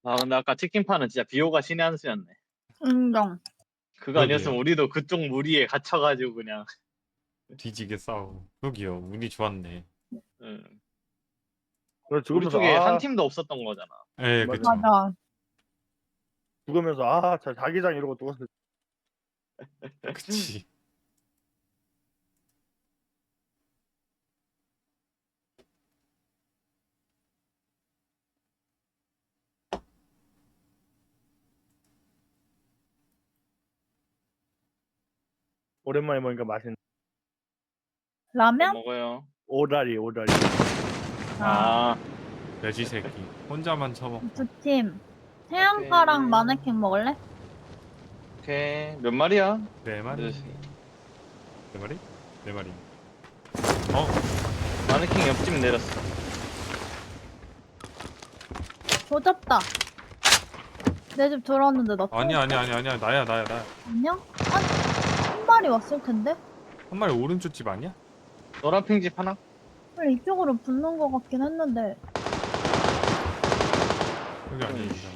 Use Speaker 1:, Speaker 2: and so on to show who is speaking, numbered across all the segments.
Speaker 1: 아 근데 아까 치킨파는 진짜 비호가 신의 한 수였네.
Speaker 2: 인정.
Speaker 1: 그거 아니었으면
Speaker 3: 그러게요.
Speaker 1: 우리도 그쪽 무리에 갇혀가지고 그냥.
Speaker 3: 뒤지게 싸우고. 그러게요. 운이 좋았네.
Speaker 1: 응.
Speaker 4: 그래
Speaker 1: 우리
Speaker 4: 죽으면서
Speaker 1: 쪽에 한 팀도 없었던 거잖아.
Speaker 3: 예,
Speaker 4: 맞아.
Speaker 3: 그쵸.
Speaker 2: 맞아.
Speaker 4: 죽으면서 자기장 이러고 누웠을
Speaker 3: 그치.
Speaker 4: 오랜만에 먹으니까 맛있는
Speaker 1: 뭐
Speaker 2: 라면?
Speaker 1: 먹어요?
Speaker 4: 오다리.
Speaker 1: 아,
Speaker 3: 돼지 새끼. 혼자만 처먹.
Speaker 2: 두 팀. 태양파랑
Speaker 1: 오케이.
Speaker 2: 마네킹 먹을래?
Speaker 1: 오케이. 몇 마리야?
Speaker 3: 네 마리.
Speaker 1: 네.
Speaker 3: 네 마리? 네 마리.
Speaker 1: 마네킹 옆집 내렸어.
Speaker 2: 조졌다. 내 집 들어왔는데 나
Speaker 3: 아니야. 나야.
Speaker 2: 아니야? 한 마리 왔을 텐데?
Speaker 3: 한 마리 오른쪽 집 아니야?
Speaker 1: 노란 핑집 하나?
Speaker 2: 원래 이쪽으로 붙는 것 같긴 했는데.
Speaker 3: 여기 아닙니다.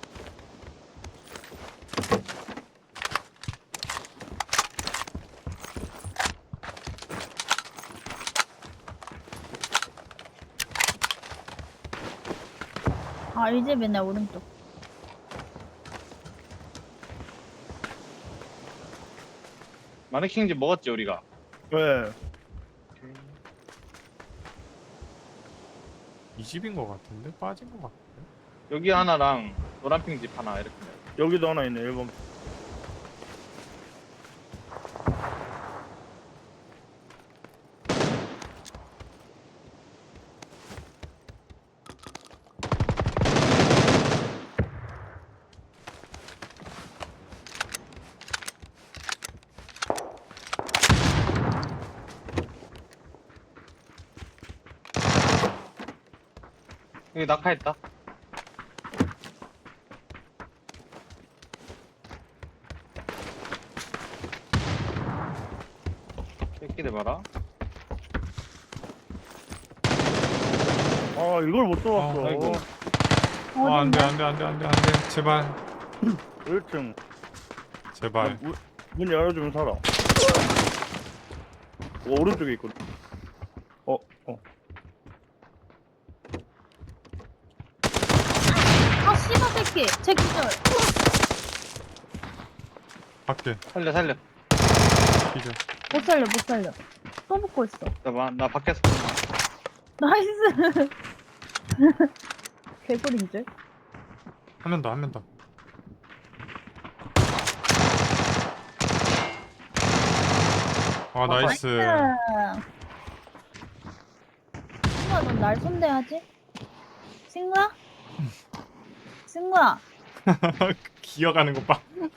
Speaker 2: 아, 이 집이네, 오른쪽.
Speaker 1: 마네킹 집 먹었지 우리가.
Speaker 4: 네.
Speaker 3: 이 집인 것 같은데? 빠진 것 같은데?
Speaker 1: 여기 하나랑 노란 핑집 하나 이렇게.
Speaker 4: 여기도 하나 있네 1번.
Speaker 1: 여기 낙하했다. 새끼들 봐라.
Speaker 4: 아 이걸 못 들어왔어.
Speaker 1: 아이고.
Speaker 3: 안 돼.
Speaker 2: 어딘데?
Speaker 3: 제발.
Speaker 4: 1층.
Speaker 3: 제발.
Speaker 4: 문 열어주면 살아. 오른쪽에 있거든.
Speaker 2: 아, 씨발 새끼! 제 기절!
Speaker 3: 밖에.
Speaker 1: 살려.
Speaker 3: 기절.
Speaker 2: 못 살려. 또 붙고 있어.
Speaker 1: 나 밖에서.
Speaker 2: 나이스! 개구리인줄?
Speaker 3: 한 명 더. 아, 나이스.
Speaker 2: 승우야, 넌 날 손대야지? 승우야!
Speaker 3: 기어가는 것 봐.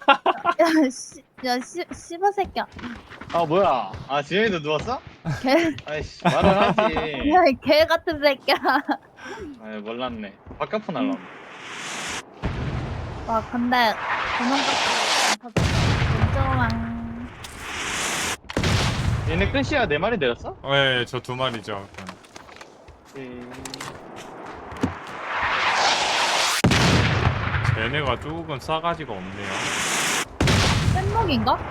Speaker 2: 씨발 새끼야.
Speaker 1: 아 뭐야? 아 지현이도 누웠어?
Speaker 2: 개,
Speaker 1: 아이씨 말을 하지.
Speaker 2: 야, 이 개 같은 새끼야.
Speaker 1: 아 몰랐네. 바깥 날라오네.
Speaker 2: 와, 근데, 도망갔어. 인정왕.
Speaker 1: 얘네 끝이야 4마리 내렸어?
Speaker 3: 네, 저 2마리죠. 쟤네가 조금 싸가지가 없네요.
Speaker 2: 뗏목인가?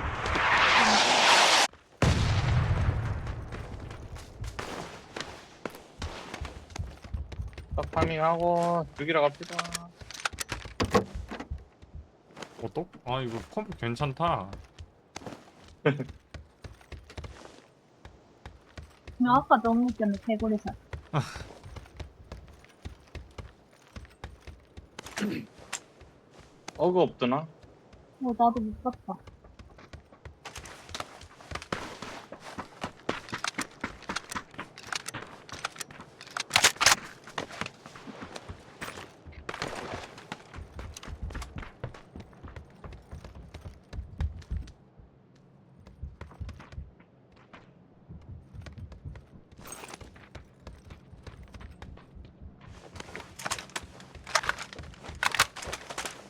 Speaker 1: 딱 파밍하고 죽이러 갑시다.
Speaker 3: 또? 아, 이거 컴퓨터 괜찮다.
Speaker 2: 아까 너무 웃겼네, 개구리살.
Speaker 1: 어그 없더나?
Speaker 2: 나도 못 봤다.